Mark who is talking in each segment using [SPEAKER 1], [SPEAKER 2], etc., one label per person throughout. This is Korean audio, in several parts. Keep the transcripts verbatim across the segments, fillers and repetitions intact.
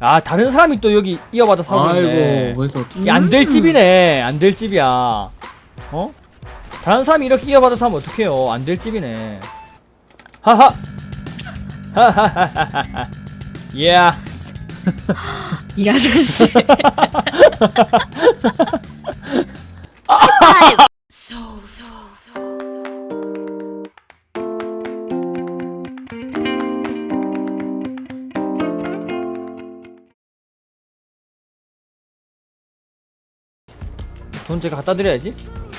[SPEAKER 1] 아, 다른 사람이 또 여기 이어받아 사고 있네.
[SPEAKER 2] 아이고 벌써
[SPEAKER 1] 안 될 집이네. 안 될 집이야. 어? 다른 사람이 이렇게 이어받아 사면 어떡해요. 안 될 집이네. 하하. 하하하하하. 예.
[SPEAKER 3] 이 아저씨.
[SPEAKER 1] 돈 제가 갖다 드려야지.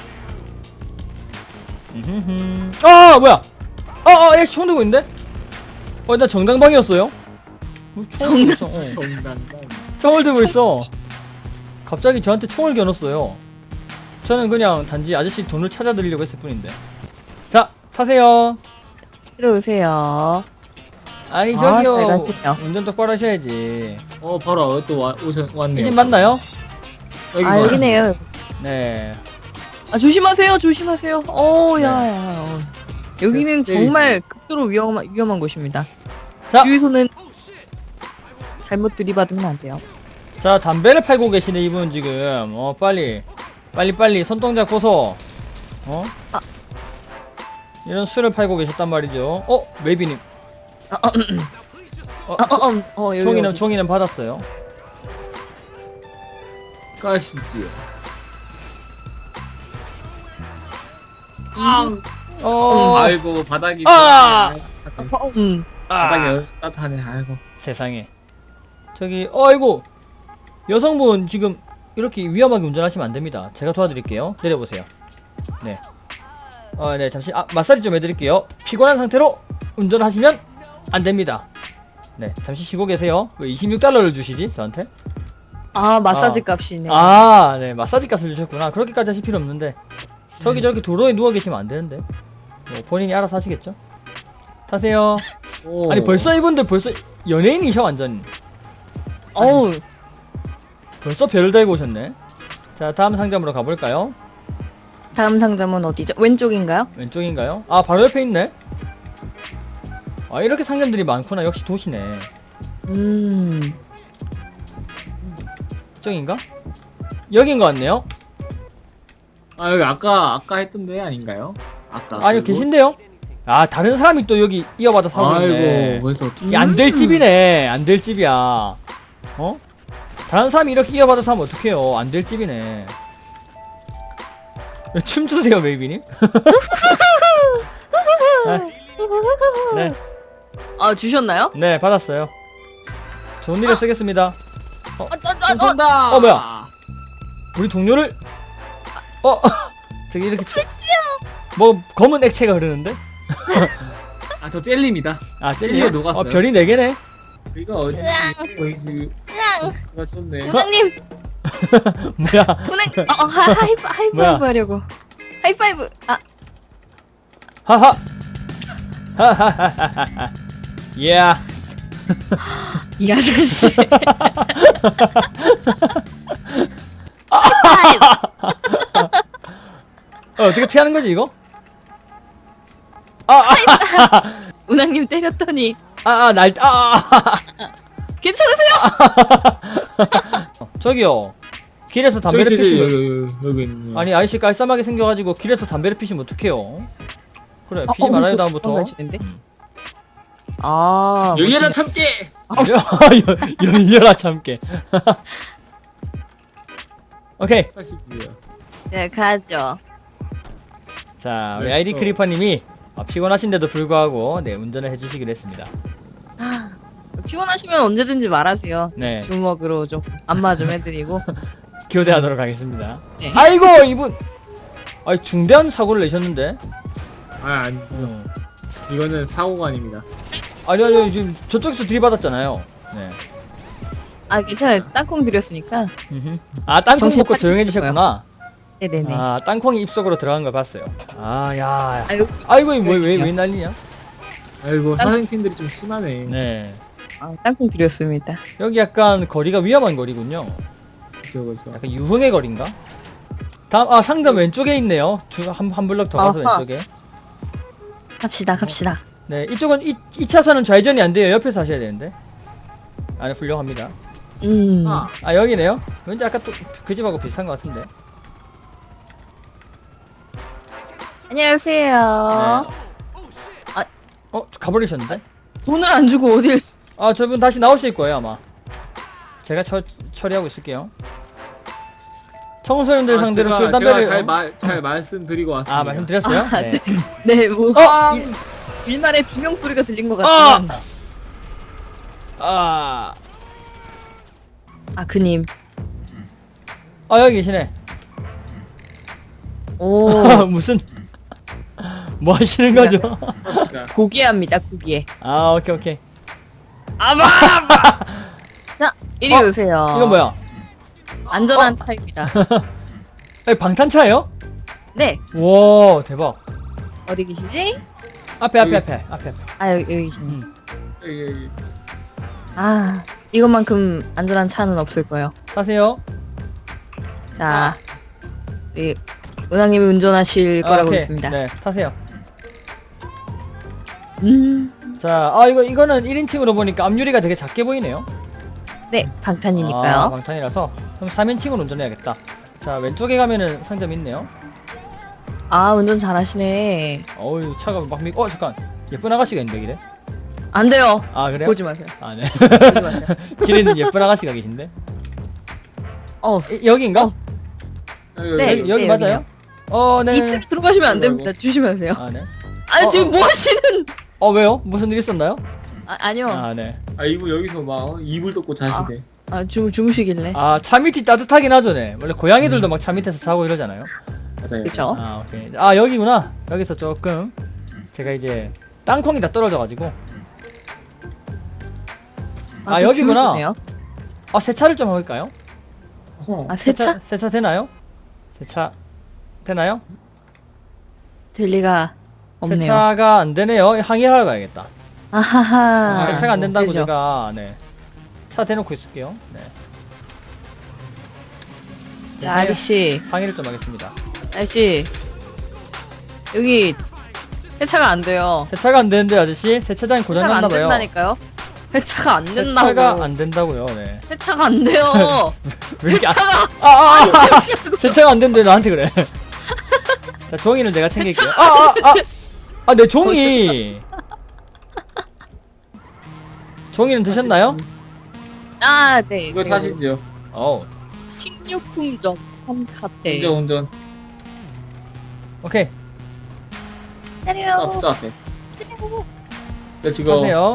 [SPEAKER 1] 음흠흠. 아, 뭐야? 아, 아, 얘 총 들고 있는데? 어, 나 정당방이었어요? 뭐 총을 들고 있어. 어.
[SPEAKER 2] 정당당.
[SPEAKER 1] 총을 들고 있어. 갑자기 저한테 총을 겨눴어요. 저는 그냥 단지 아저씨 돈을 찾아드리려고 했을 뿐인데. 자, 타세요.
[SPEAKER 3] 들어오세요.
[SPEAKER 1] 아니,
[SPEAKER 3] 아,
[SPEAKER 1] 저기요.
[SPEAKER 3] 잘 가시네요.
[SPEAKER 1] 운전 똑바로 하셔야지.
[SPEAKER 2] 어 바로 또 와, 오셨, 왔네요.
[SPEAKER 1] 이 집 맞나요?
[SPEAKER 2] 여기
[SPEAKER 3] 아, 여기네요.
[SPEAKER 1] 네.
[SPEAKER 3] 아, 조심하세요. 조심하세요. 어,
[SPEAKER 1] 네.
[SPEAKER 3] 야, 야. 어. 여기는
[SPEAKER 2] 네,
[SPEAKER 3] 정말 극도로 위험한, 위험한 곳입니다.
[SPEAKER 1] 자.
[SPEAKER 3] 주유소는 잘못 들이받으면 안 돼요.
[SPEAKER 1] 자, 담배를 팔고 계시네, 이분 지금. 어, 빨리. 빨리, 빨리. 손동작 보소. 어?
[SPEAKER 3] 아.
[SPEAKER 1] 이런 술을 팔고 계셨단 말이죠. 어? 메이비님.
[SPEAKER 3] 아, 어, 음,
[SPEAKER 1] 어,
[SPEAKER 3] 아, 어, 음, 어, 여기.
[SPEAKER 1] 총이는,
[SPEAKER 3] 여기.
[SPEAKER 1] 총이는 받았어요.
[SPEAKER 2] 가시지요.
[SPEAKER 1] 어,
[SPEAKER 2] 아이고 바닥이.
[SPEAKER 1] 아!
[SPEAKER 3] 어, 음.
[SPEAKER 2] 바닥이
[SPEAKER 1] 아,
[SPEAKER 2] 여- 따뜻하네. 아이고.
[SPEAKER 1] 세상에. 저기, 어이구. 여성분 지금 이렇게 위험하게 운전하시면 안 됩니다. 제가 도와드릴게요. 내려보세요. 네. 어, 네, 잠시, 아, 마사지 좀 해드릴게요. 피곤한 상태로 운전하시면 안 됩니다. 네, 잠시 쉬고 계세요. 왜 이십육 달러를 주시지, 저한테?
[SPEAKER 3] 아, 마사지
[SPEAKER 1] 아.
[SPEAKER 3] 값이네.
[SPEAKER 1] 아, 네, 마사지 값을 주셨구나. 그렇게까지 하실 필요 없는데. 저기 저렇게 도로에 누워 계시면 안 되는데. 뭐 본인이 알아서 하시겠죠? 타세요.
[SPEAKER 2] 오.
[SPEAKER 1] 아니, 벌써 이분들 벌써 연예인이셔, 완전.
[SPEAKER 3] 어우,
[SPEAKER 1] 벌써 별을 달고 오셨네. 자, 다음 상점으로 가볼까요?
[SPEAKER 3] 다음 상점은 어디죠? 왼쪽인가요?
[SPEAKER 1] 왼쪽인가요? 아, 바로 옆에 있네. 아, 이렇게 상점들이 많구나. 역시 도시네.
[SPEAKER 3] 음.
[SPEAKER 1] 이쪽인가? 여긴 것 같네요.
[SPEAKER 2] 아 여기 아까 아까 했던 데 아닌가요? 아까.
[SPEAKER 1] 아니요, 계신데요? 아, 다른 사람이 또 여기 이어받아 사고
[SPEAKER 2] 아이고
[SPEAKER 1] 있네.
[SPEAKER 2] 벌써.
[SPEAKER 1] 안 될 집이네. 안 될 집이야. 어? 다른 사람이 이렇게 이어받아 사면 어떡해요. 안 될 집이네. 춤추세요, 메이비님. 네, 네,
[SPEAKER 3] 아, 주셨나요?
[SPEAKER 1] 네, 받았어요. 좋은 일에 쓰겠습니다.
[SPEAKER 3] 아, 아, 아, 아,
[SPEAKER 2] 쏜다.
[SPEAKER 1] 어, 뭐야? 우리 동료를 어 저기 이렇게 치... 뭐 검은 액체가 흐르는데?
[SPEAKER 2] 아저 젤리입니다.
[SPEAKER 1] 아, 젤리요?
[SPEAKER 2] 젤리에 녹았어요.
[SPEAKER 1] 어, 별이 네 개네.
[SPEAKER 2] 이거 어디 어디 가 쳤네.
[SPEAKER 3] 부장님,
[SPEAKER 1] 뭐야?
[SPEAKER 3] 부장님, 어, 어, 하, 하이파, 하이파이브
[SPEAKER 1] 뭐야?
[SPEAKER 3] 하려고. 하이파이브. 아,
[SPEAKER 1] 하하. 하하하하하. 예.
[SPEAKER 3] 이 아저씨.
[SPEAKER 1] 어, 어떻게 피하는 거지 이거? 아, 아,
[SPEAKER 3] 운항님 때렸더니
[SPEAKER 1] 아, 아, 날, 아, 아,
[SPEAKER 3] 괜찮으세요?
[SPEAKER 1] 아. 저기요. 길에서 담배를
[SPEAKER 2] 저기, 저기,
[SPEAKER 1] 피시면
[SPEAKER 2] 여기 여기 여기 있네.
[SPEAKER 1] 아니, 아이씨 깔쌈하게 생겨가지고 길에서 담배를 피시면 어떡해요? 그래,
[SPEAKER 3] 어,
[SPEAKER 1] 피지
[SPEAKER 3] 어,
[SPEAKER 1] 말아요
[SPEAKER 3] 또
[SPEAKER 1] 다음부터.
[SPEAKER 3] 도망가시는데?
[SPEAKER 1] 음.
[SPEAKER 3] 아,
[SPEAKER 2] 열려라 참깨.
[SPEAKER 1] 여- 열려라 참깨. 오케이.
[SPEAKER 2] 가시지요.
[SPEAKER 3] 네, 가죠.
[SPEAKER 1] 자, 우리
[SPEAKER 2] 네,
[SPEAKER 1] 아이디
[SPEAKER 2] 또.
[SPEAKER 1] 크리퍼님이 어, 피곤하신데도 불구하고 네, 운전을 해주시기로 했습니다.
[SPEAKER 3] 아, 피곤하시면 언제든지 말하세요.
[SPEAKER 1] 네,
[SPEAKER 3] 주먹으로 좀 안마 좀 해드리고.
[SPEAKER 1] 교대하도록 하겠습니다.
[SPEAKER 3] 네.
[SPEAKER 1] 아이고, 이분, 아니 중대한 사고를 내셨는데.
[SPEAKER 2] 아 아니
[SPEAKER 1] 어.
[SPEAKER 2] 이거는 사고가 아닙니다.
[SPEAKER 1] 아니 아니 지금 저쪽에서 들이받았잖아요. 네.
[SPEAKER 3] 아, 괜찮아요. 땅콩 드렸으니까.
[SPEAKER 1] 음흠. 아, 땅콩
[SPEAKER 3] 정신
[SPEAKER 1] 먹고
[SPEAKER 3] 차리고
[SPEAKER 1] 조용해지셨구나.
[SPEAKER 3] 네네네.
[SPEAKER 1] 아, 땅콩이 입속으로 들어간 걸 봤어요. 아, 야.
[SPEAKER 3] 아이고,
[SPEAKER 1] 아이고, 뭐왜왜 왜 난리냐?
[SPEAKER 2] 아이고 사장님들이 좀 심하네.
[SPEAKER 1] 네.
[SPEAKER 3] 아, 땅콩 드렸습니다.
[SPEAKER 1] 여기 약간 거리가 위험한 거리군요.
[SPEAKER 2] 그죠 그죠.
[SPEAKER 1] 약간 유흥의 거리인가? 다음, 아, 상점 왼쪽에 있네요. 주, 한, 한 블럭 더 가서
[SPEAKER 3] 아하.
[SPEAKER 1] 왼쪽에.
[SPEAKER 3] 갑시다, 갑시다.
[SPEAKER 1] 네, 이쪽은 이, 이 차선은 좌회전이 안 돼요. 옆에서 하셔야 되는데. 아니, 훌륭합니다.
[SPEAKER 3] 음.
[SPEAKER 2] 아,
[SPEAKER 1] 아 여기네요. 왠지 아까 또 그 집하고 비슷한 것 같은데.
[SPEAKER 3] 안녕하세요.
[SPEAKER 1] 네. 어 가버리셨는데?
[SPEAKER 3] 돈을 안 주고 어딜?
[SPEAKER 1] 아 저분 다시 나오실 거예요 아마. 제가 처, 처리하고 있을게요. 청소년들
[SPEAKER 2] 아,
[SPEAKER 1] 상대로
[SPEAKER 2] 제가,
[SPEAKER 1] 술 담배를
[SPEAKER 2] 제가 잘, 말, 잘 말씀드리고 왔습니다.
[SPEAKER 1] 아 말씀드렸어요?
[SPEAKER 3] 아,
[SPEAKER 1] 네.
[SPEAKER 3] 네, 뭐
[SPEAKER 1] 어!
[SPEAKER 3] 일, 일말의 비명 소리가 들린 것
[SPEAKER 1] 아!
[SPEAKER 3] 같지만.
[SPEAKER 1] 아,
[SPEAKER 3] 아, 그님.
[SPEAKER 1] 아 여기 계시네.
[SPEAKER 3] 오,
[SPEAKER 1] 무슨 뭐 하시는 거죠?
[SPEAKER 2] 그렇습니다.
[SPEAKER 3] 고귀합니다, 고귀해.
[SPEAKER 1] 아 오케이 오케이.
[SPEAKER 3] 아마. 자, 이리
[SPEAKER 1] 어?
[SPEAKER 3] 오세요.
[SPEAKER 1] 이건 뭐야?
[SPEAKER 3] 안전한 차입니다.
[SPEAKER 1] 아, 방탄차예요?
[SPEAKER 3] 네,
[SPEAKER 1] 와 대박.
[SPEAKER 3] 어디 계시지?
[SPEAKER 1] 앞에 앞에
[SPEAKER 2] 여기
[SPEAKER 1] 앞에 앞에 앞에.
[SPEAKER 3] 아, 여기, 여기 계시네.
[SPEAKER 1] 음.
[SPEAKER 2] 여기, 여기.
[SPEAKER 3] 아, 이것만큼 안전한 차는 없을 거예요.
[SPEAKER 1] 타세요.
[SPEAKER 3] 자, 우리 은하님이 운전하실
[SPEAKER 1] 아,
[SPEAKER 3] 거라고
[SPEAKER 1] 오케이.
[SPEAKER 3] 믿습니다.
[SPEAKER 1] 네 타세요.
[SPEAKER 3] 음,
[SPEAKER 1] 자, 아 이거 이거는 일 인칭으로 보니까 앞유리가 되게 작게 보이네요.
[SPEAKER 3] 네, 방탄이니까요.
[SPEAKER 1] 아, 방탄이라서 그럼 삼 인칭으로 운전해야겠다. 자 왼쪽에 가면은 상점이 있네요.
[SPEAKER 3] 아, 운전 잘하시네.
[SPEAKER 1] 어우 차가 막 미... 어 잠깐 예쁜 아가씨가 있는데 길에.
[SPEAKER 3] 안 돼요.
[SPEAKER 1] 아 그래요?
[SPEAKER 3] 보지 마세요.
[SPEAKER 1] 아 네.
[SPEAKER 3] 보지 마세요.
[SPEAKER 1] 길에 있는 예쁜 아가씨가 계신데.
[SPEAKER 3] 어,
[SPEAKER 1] 이, 여기인가?
[SPEAKER 3] 어.
[SPEAKER 2] 여기,
[SPEAKER 3] 네,
[SPEAKER 1] 여기,
[SPEAKER 2] 여기.
[SPEAKER 1] 여기
[SPEAKER 3] 네,
[SPEAKER 1] 맞아요?
[SPEAKER 3] 여기요.
[SPEAKER 1] 어 네.
[SPEAKER 3] 이 층 들어가시면 안
[SPEAKER 2] 아이고,
[SPEAKER 3] 됩니다. 조심하세요.
[SPEAKER 1] 아 네.
[SPEAKER 3] 아,
[SPEAKER 1] 어,
[SPEAKER 3] 지금
[SPEAKER 1] 어.
[SPEAKER 3] 뭐 하시는?
[SPEAKER 1] 어 왜요? 무슨 일 있었나요?
[SPEAKER 3] 아, 아니요. 아,
[SPEAKER 1] 아 네.
[SPEAKER 2] 아, 이분 여기서 막 어, 이불 덮고 자시네.
[SPEAKER 3] 주, 주무시길래.
[SPEAKER 1] 아 차 밑이 따뜻하긴 하죠 네. 원래 고양이들도 막 차 밑에서 자고 이러잖아요.
[SPEAKER 2] 맞아요.
[SPEAKER 3] 그쵸?
[SPEAKER 1] 아 오케이. 아 여기구나. 여기서 조금 제가 이제 땅콩이 다 떨어져가지고. 아,
[SPEAKER 3] 좀
[SPEAKER 1] 여기구나.
[SPEAKER 3] 주무시네요.
[SPEAKER 1] 아 세차를 좀 해볼까요?
[SPEAKER 2] 어.
[SPEAKER 3] 아, 세차?
[SPEAKER 1] 세차 되나요? 세차 되나요?
[SPEAKER 3] 될 리가 없네요.
[SPEAKER 1] 세차가 안 되네요. 항의하러 가야겠다.
[SPEAKER 3] 아하하.
[SPEAKER 2] 아,
[SPEAKER 1] 세차가 안 된다고
[SPEAKER 3] 되죠.
[SPEAKER 1] 제가 네. 차 대놓고 있을게요. 네.
[SPEAKER 3] 자, 아저씨,
[SPEAKER 1] 항의를 좀 하겠습니다.
[SPEAKER 3] 아저씨. 여기 세차가 안 돼요.
[SPEAKER 1] 세차가 안 되는데 아저씨 세차장이 고장
[SPEAKER 3] 세차가 안
[SPEAKER 1] 났나 봐요.
[SPEAKER 3] 된다니까요? 세차가 안 된다고.
[SPEAKER 1] 세차가 안 된다고요. 네.
[SPEAKER 3] 세차가 안 돼요.
[SPEAKER 1] 왜 이렇게 아,
[SPEAKER 3] 세차가
[SPEAKER 1] 아, 아, 아, 세차가 안 된대 나한테 그래. 자 종이를 내가 챙길게요. 아, 아, 아, 아, 내 종이. 종이는 드셨나요?
[SPEAKER 3] 아, 네.
[SPEAKER 2] 이거
[SPEAKER 3] 네.
[SPEAKER 2] 타시죠.
[SPEAKER 1] 어,
[SPEAKER 3] 식료품점 한카페.
[SPEAKER 2] 운전, 운전.
[SPEAKER 1] 오케이.
[SPEAKER 2] 아,
[SPEAKER 3] 때려요.
[SPEAKER 2] 부자 앞에. 네, 지금
[SPEAKER 1] 하세요.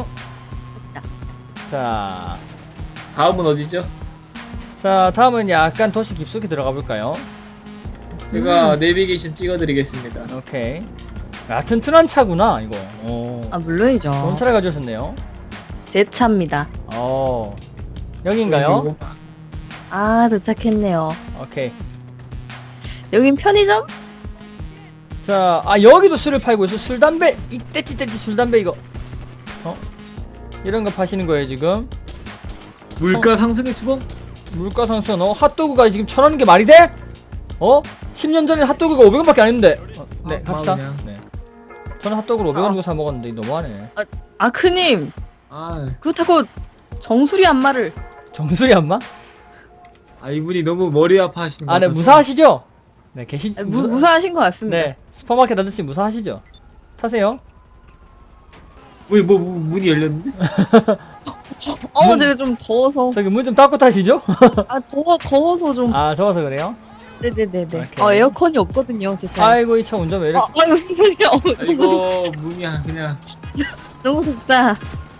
[SPEAKER 1] 자,
[SPEAKER 2] 다음은 어디죠?
[SPEAKER 1] 자 다음은 약간 도시 깊숙이 들어가 볼까요?
[SPEAKER 2] 제가
[SPEAKER 3] 음.
[SPEAKER 2] 내비게이션 찍어드리겠습니다.
[SPEAKER 1] 오케이. 아 튼튼한 차구나 이거. 오.
[SPEAKER 3] 아, 물론이죠.
[SPEAKER 1] 좋은 차를 가져오셨네요.
[SPEAKER 3] 제 차입니다.
[SPEAKER 1] 어, 여기인가요?
[SPEAKER 3] 아, 도착했네요.
[SPEAKER 1] 오케이.
[SPEAKER 3] 여긴 편의점?
[SPEAKER 1] 자, 아 여기도 술을 팔고 있어. 술 담배 이 떼찌 떼찌 술 담배 이거. 어? 이런 거 파시는 거예요 지금?
[SPEAKER 2] 물가 상승의 추범?
[SPEAKER 1] 물가 상승. 어 핫도그가 지금 천 원인 게 말이 돼? 어? 십 년 전에 핫도그가 오백 원밖에 안 했는데. 어, 네
[SPEAKER 2] 아,
[SPEAKER 1] 갑시다.
[SPEAKER 2] 그냥.
[SPEAKER 1] 네. 저는 핫도그를 오백 원
[SPEAKER 3] 아.
[SPEAKER 1] 주고 사 먹었는데 너무하네.
[SPEAKER 3] 아, 크님.
[SPEAKER 2] 아,
[SPEAKER 3] 그렇다고 정수리 안마를.
[SPEAKER 1] 정수리 안마?
[SPEAKER 2] 아 이분이 너무 머리 아파하시는 것
[SPEAKER 1] 아, 네
[SPEAKER 2] 같아서.
[SPEAKER 1] 무사하시죠? 네 계시.
[SPEAKER 3] 아, 무, 무사하신 것 같습니다.
[SPEAKER 1] 네 슈퍼마켓 아저씨 무사하시죠? 타세요.
[SPEAKER 2] 왜, 뭐, 뭐, 문이 열렸는데?
[SPEAKER 3] 어, 제가 좀 더워서.
[SPEAKER 1] 저기 문 좀 닫고 타시죠?
[SPEAKER 3] 아, 더워, 더워서 좀.
[SPEAKER 1] 아 더워서 그래요?
[SPEAKER 3] 네네네네.
[SPEAKER 1] 오케이.
[SPEAKER 3] 어, 에어컨이 없거든요, 제 차에.
[SPEAKER 1] 아이고 이 차 운전 왜 이렇게?
[SPEAKER 3] 아, 아유, 무슨 소리야. 어,
[SPEAKER 2] 아,
[SPEAKER 3] 너무,
[SPEAKER 2] 이거 문이 그냥
[SPEAKER 3] 너무 덥다.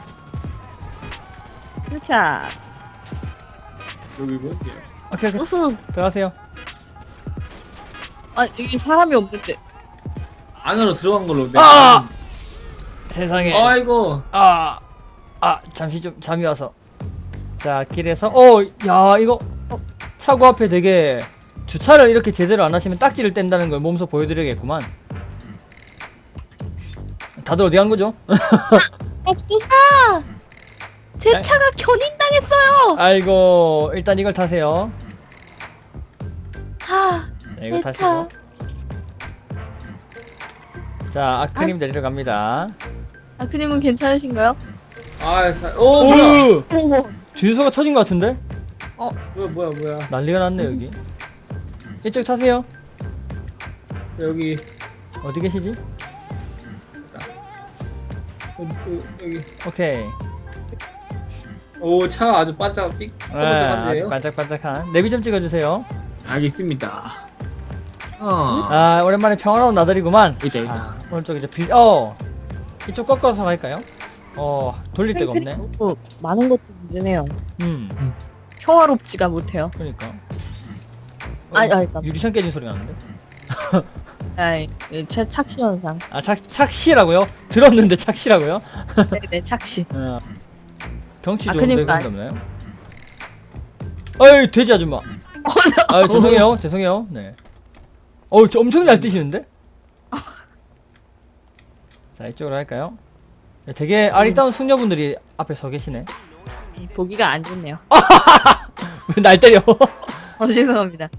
[SPEAKER 3] 자,
[SPEAKER 2] 여기고.
[SPEAKER 1] 오케이 오케이
[SPEAKER 3] 으흐.
[SPEAKER 1] 들어가세요.
[SPEAKER 3] 아, 여기 사람이 없는데.
[SPEAKER 2] 안으로 들어간 걸로. 네.
[SPEAKER 1] 아! 세상에.
[SPEAKER 2] 아이고.
[SPEAKER 1] 아, 아, 잠시 좀 잠이 와서. 자, 길에서, 어, 야, 이거, 어, 차고 앞에 되게, 주차를 이렇게 제대로 안 하시면 딱지를 뗀다는 걸 몸소 보여드려야겠구만. 다들 어디 간 거죠?
[SPEAKER 3] 업도사! 제
[SPEAKER 1] 아.
[SPEAKER 3] 차가 견인당했어요!
[SPEAKER 1] 아이고, 일단 이걸 타세요.
[SPEAKER 3] 하,
[SPEAKER 1] 네, 이거
[SPEAKER 3] 내
[SPEAKER 1] 타시고. 자, 아크님 데리러 갑니다.
[SPEAKER 3] 아, 그님은 괜찮으신가요?
[SPEAKER 2] 아, 사... 오, 뭐야?
[SPEAKER 1] 오!
[SPEAKER 3] 어머,
[SPEAKER 1] 주유소가 터진 것 같은데?
[SPEAKER 2] 뭐야 뭐야 뭐야.
[SPEAKER 1] 난리가 났네 여기. 이쪽 타세요.
[SPEAKER 2] 여기
[SPEAKER 1] 어디 계시지?
[SPEAKER 2] 여기, 여기.
[SPEAKER 1] 오케이.
[SPEAKER 2] 오, 차 아주 반짝 삑
[SPEAKER 1] 네, 아주
[SPEAKER 2] 반짝반짝해요.
[SPEAKER 1] 반짝반짝한 내비 좀 찍어주세요.
[SPEAKER 2] 알겠습니다. 어.
[SPEAKER 1] 아 오랜만에 평화로운 나들이구만.
[SPEAKER 2] 있다 있다.
[SPEAKER 1] 아, 오른쪽 이제 빌, 어 이쪽 꺾어서 갈까요? 어 돌릴 데가 없네.
[SPEAKER 3] 너무 많은 것도 문제네요.
[SPEAKER 1] 음
[SPEAKER 3] 평화롭지가 못해요.
[SPEAKER 1] 그러니까.
[SPEAKER 3] 아, 아, 일단.
[SPEAKER 1] 유리창 깨진 소리 나는데?
[SPEAKER 3] 아이, 최 착시 현상.
[SPEAKER 1] 아 착, 착시라고요? 들었는데 착시라고요?
[SPEAKER 3] 네네, 착시.
[SPEAKER 1] 어. 경치
[SPEAKER 3] 아,
[SPEAKER 1] 좋은데
[SPEAKER 3] 큰일
[SPEAKER 1] 그런 게 없나요? 어이 돼지 아줌마. 아 죄송해요 죄송해요. 네. 어우 저 엄청 잘 뛰시는데? 자 이쪽으로 할까요? 네, 되게 아리따운 숙녀분들이 앞에 서 계시네.
[SPEAKER 3] 보기가 안 좋네요.
[SPEAKER 1] 왜 날 때려?
[SPEAKER 3] 어, 죄송합니다.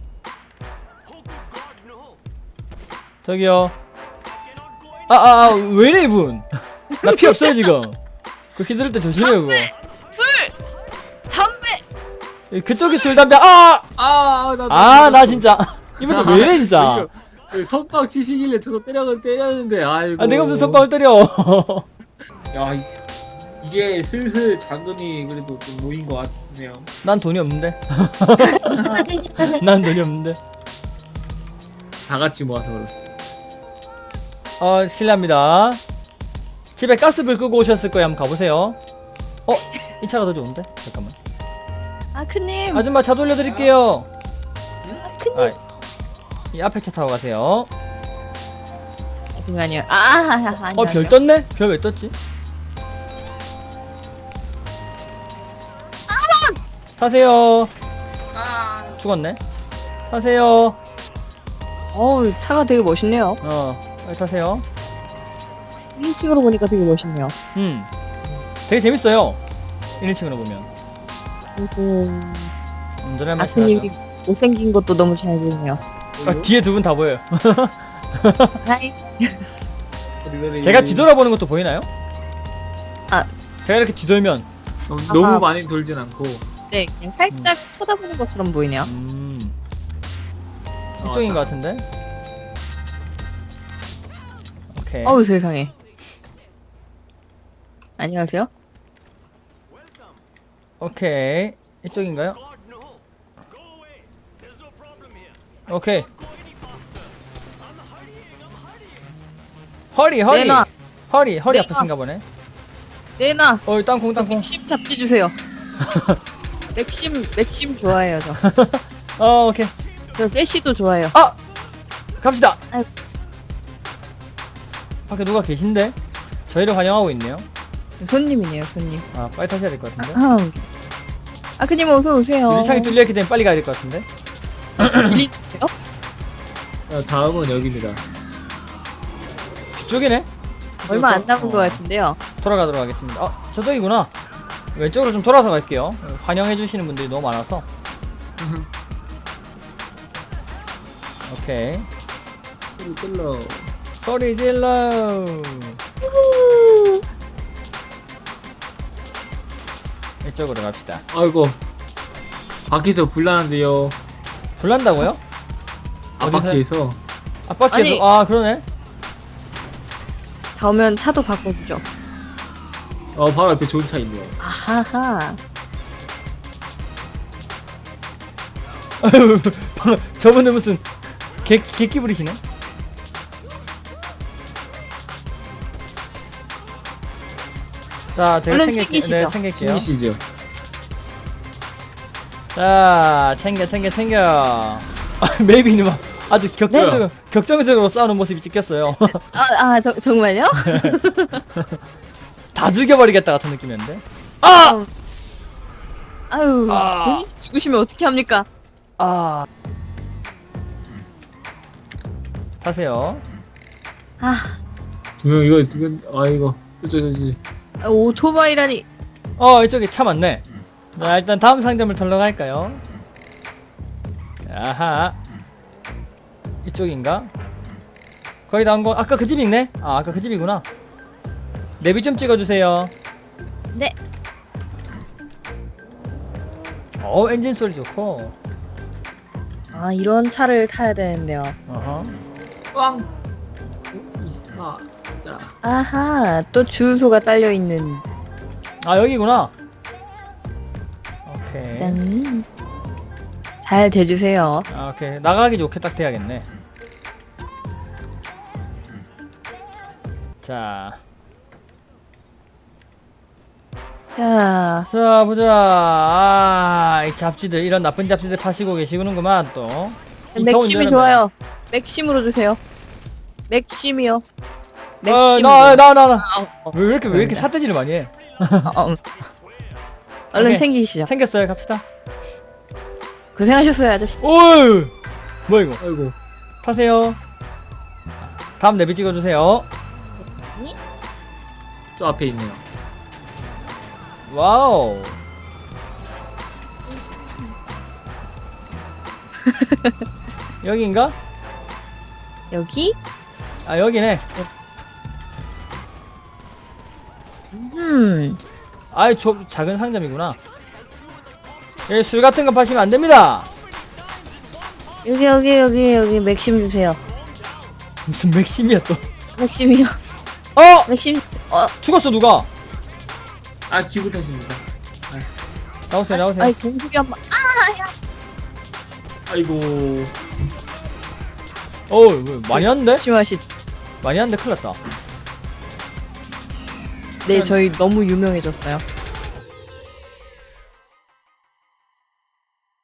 [SPEAKER 1] 저기요. 아아아 아, 왜이래 이분? 나 피 없어요 지금. 그 휘두를 때 조심해요 그거.
[SPEAKER 3] 술! 담배!
[SPEAKER 1] 예, 그쪽이 술 담배 아!
[SPEAKER 2] 아, 나,
[SPEAKER 1] 아 나 진짜 이분들 왜 이래 진짜.
[SPEAKER 2] 그 선빵 치시길래 저도 때려 때렸는데 아이고.
[SPEAKER 1] 아 내가 무슨 선빵을 때려.
[SPEAKER 2] 야, 이- 이제 슬슬 자금이 그래도 좀 모인 것 같네요.
[SPEAKER 1] 난 돈이 없는데. 난 돈이 없는데.
[SPEAKER 2] 다 같이 모아서 그렇습니다.
[SPEAKER 1] 어 실례합니다. 집에 가스불 끄고 오셨을 거예요. 한번 가보세요. 어? 이 차가 더 좋은데? 잠깐만.
[SPEAKER 3] 아크님!
[SPEAKER 1] 아줌마 차 돌려드릴게요.
[SPEAKER 3] 아크님!
[SPEAKER 1] 아, 이 앞에 차 타고 가세요.
[SPEAKER 3] 잠시만요. 아, 아, 아, 아니,
[SPEAKER 1] 어 별 떴네? 별 왜 떴지? 타세요. 죽었네. 타세요.
[SPEAKER 3] 어우, 차가 되게 멋있네요.
[SPEAKER 1] 어 빨리 타세요.
[SPEAKER 3] 일 층으로 보니까 되게 멋있네요.
[SPEAKER 1] 음 되게 재밌어요. 일 층으로 보면
[SPEAKER 3] 그리고
[SPEAKER 1] 운전할 맛이
[SPEAKER 3] 아크님이
[SPEAKER 1] 나죠.
[SPEAKER 3] 못생긴 것도 너무 잘 보이네요.
[SPEAKER 1] 아, 뒤에 두 분 다 보여요.
[SPEAKER 3] 하이.
[SPEAKER 1] 제가 뒤돌아보는 것도 보이나요?
[SPEAKER 3] 아.
[SPEAKER 1] 제가 이렇게 뒤돌면
[SPEAKER 2] 너무, 너무
[SPEAKER 3] 아하.
[SPEAKER 2] 많이 돌진 않고.
[SPEAKER 3] 네, 그냥 살짝 쳐다보는 것처럼 보이네요.
[SPEAKER 1] 음
[SPEAKER 2] 어,
[SPEAKER 1] 이쪽인
[SPEAKER 2] 딱.
[SPEAKER 1] 것 같은데? 오케이.
[SPEAKER 3] 어우, 세상에. 안녕하세요.
[SPEAKER 1] 오케이. 이쪽인가요? 오케이. 허리 허리
[SPEAKER 3] 내놔.
[SPEAKER 1] 허리 허리
[SPEAKER 3] 내놔.
[SPEAKER 1] 아프신가 보네.
[SPEAKER 3] 내놔.
[SPEAKER 1] 어이 땅콩 땅콩.
[SPEAKER 3] 맥심 잡지 주세요. 맥심, 맥심 좋아해요, 저.
[SPEAKER 1] 어 오케이.
[SPEAKER 3] 저 세시도 좋아해요.
[SPEAKER 1] 아 갑시다.
[SPEAKER 3] 아이고.
[SPEAKER 1] 밖에 누가 계신데? 저희를 환영하고 있네요.
[SPEAKER 3] 손님이네요, 손님.
[SPEAKER 1] 아 빨리 타셔야 될 것 같은데.
[SPEAKER 3] 아흠. 아크님 어서 오세요.
[SPEAKER 1] 유리창이 뚫려있기 때문에 빨리 가야 될 것 같은데.
[SPEAKER 3] 빌리치세요?
[SPEAKER 2] 어, 다음은 여기입니다.
[SPEAKER 1] 뒤쪽이네.
[SPEAKER 3] 얼마 안 남은
[SPEAKER 1] 어,
[SPEAKER 3] 것 같은데요.
[SPEAKER 1] 돌아가도록 하겠습니다. 어 저쪽이구나. 왼쪽으로 좀 돌아서 갈게요. 환영해주시는 분들이 너무 많아서. 오케이.
[SPEAKER 2] 소리 끌러.
[SPEAKER 1] 소리 질러. 이쪽으로 갑시다.
[SPEAKER 2] 아이고. 밖에서 불나는데요.
[SPEAKER 1] 불난다고요?
[SPEAKER 2] 앞바퀴에서.
[SPEAKER 1] 앞바퀴에서
[SPEAKER 3] 아니.
[SPEAKER 1] 아 그러네.
[SPEAKER 3] 다 오면 차도 바꿔주죠.
[SPEAKER 2] 어, 바로 옆에 좋은 차 있네요.
[SPEAKER 3] 아하하.
[SPEAKER 1] 방금 저분은 무슨 개 개끼 부리시네. 자 제가
[SPEAKER 3] 얼른
[SPEAKER 1] 챙길게요.
[SPEAKER 3] 챙기시죠.
[SPEAKER 1] 네 챙길게요.
[SPEAKER 2] 신이시죠?
[SPEAKER 1] 자 챙겨 챙겨 챙겨. 메이비는 막 아주 격정적으로 격정적으로 싸우는 모습이 찍혔어요.
[SPEAKER 3] 아, 아, 저, 정말요?
[SPEAKER 1] 다 죽여버리겠다 같은 느낌이었는데.
[SPEAKER 3] 아! 아유,
[SPEAKER 1] 아.
[SPEAKER 3] 본인이 죽으시면 어떻게 합니까?
[SPEAKER 1] 아 타세요.
[SPEAKER 3] 아,
[SPEAKER 2] 분명 이거, 이거, 아, 이거. 저저 저, 저.
[SPEAKER 3] 오토바이라니.
[SPEAKER 1] 어 이쪽에 차 많네. 자 일단 다음 상점을 털러 갈까요? 아하 이쪽인가? 거의 나온 거 아까 그 집이 있네? 아 아까 그 집이구나. 내비 좀 찍어주세요.
[SPEAKER 3] 네.
[SPEAKER 1] 어 엔진 소리 좋고.
[SPEAKER 3] 아 이런 차를 타야 되는데요.
[SPEAKER 1] 어허.
[SPEAKER 2] 꽝. 하나, 자,
[SPEAKER 3] 아하 또 주유소가 딸려 있는.
[SPEAKER 1] 아 여기구나. 오케이.
[SPEAKER 3] 짠. 잘 대주세요.
[SPEAKER 1] 아 오케이. 나가기 좋게 딱 돼야겠네. 자.
[SPEAKER 3] 자
[SPEAKER 1] 자 보자. 아, 이 잡지들 이런 나쁜 잡지들 파시고 계시는구만 또. 이 더운
[SPEAKER 3] 맥심이
[SPEAKER 1] 여름에.
[SPEAKER 3] 좋아요. 맥심으로 주세요. 맥심이요.
[SPEAKER 1] 어,
[SPEAKER 3] 맥심.
[SPEAKER 1] 나, 나, 나, 나.
[SPEAKER 3] 어, 어,
[SPEAKER 1] 왜 이렇게 왜 이렇게
[SPEAKER 3] 그런데.
[SPEAKER 1] 사태질을 많이 해?
[SPEAKER 3] 어, 어. 얼른
[SPEAKER 1] 오케이.
[SPEAKER 3] 챙기시죠.
[SPEAKER 1] 생겼어요. 갑시다.
[SPEAKER 3] 고생하셨어요 아저씨.
[SPEAKER 1] 오이. 뭐야 이거?
[SPEAKER 2] 아이고.
[SPEAKER 1] 타세요. 다음 내비 찍어주세요.
[SPEAKER 2] 저 앞에 있네요.
[SPEAKER 1] 와우. 여기인가?
[SPEAKER 3] 여기?
[SPEAKER 1] 아 여기네.
[SPEAKER 3] 음.
[SPEAKER 1] 아이 저 작은 상점이구나. 여기 술 같은 거 파시면 안 됩니다.
[SPEAKER 3] 여기 여기 여기 여기 맥심 주세요.
[SPEAKER 1] 무슨 맥심이야 또?
[SPEAKER 3] 맥심이요.
[SPEAKER 1] 어
[SPEAKER 3] 맥심. 어.
[SPEAKER 1] 죽었어 누가?
[SPEAKER 2] 아, 기분 탓입니다.
[SPEAKER 1] 나오세요 나오세요.
[SPEAKER 3] 아이 정수리 한 번.
[SPEAKER 2] 아이고.
[SPEAKER 1] 어우 뭐, 많이 왔는데?
[SPEAKER 3] 조심하시.
[SPEAKER 1] 많이 왔는데 큰일 났다.
[SPEAKER 3] 네 저희 너무 유명해졌어요.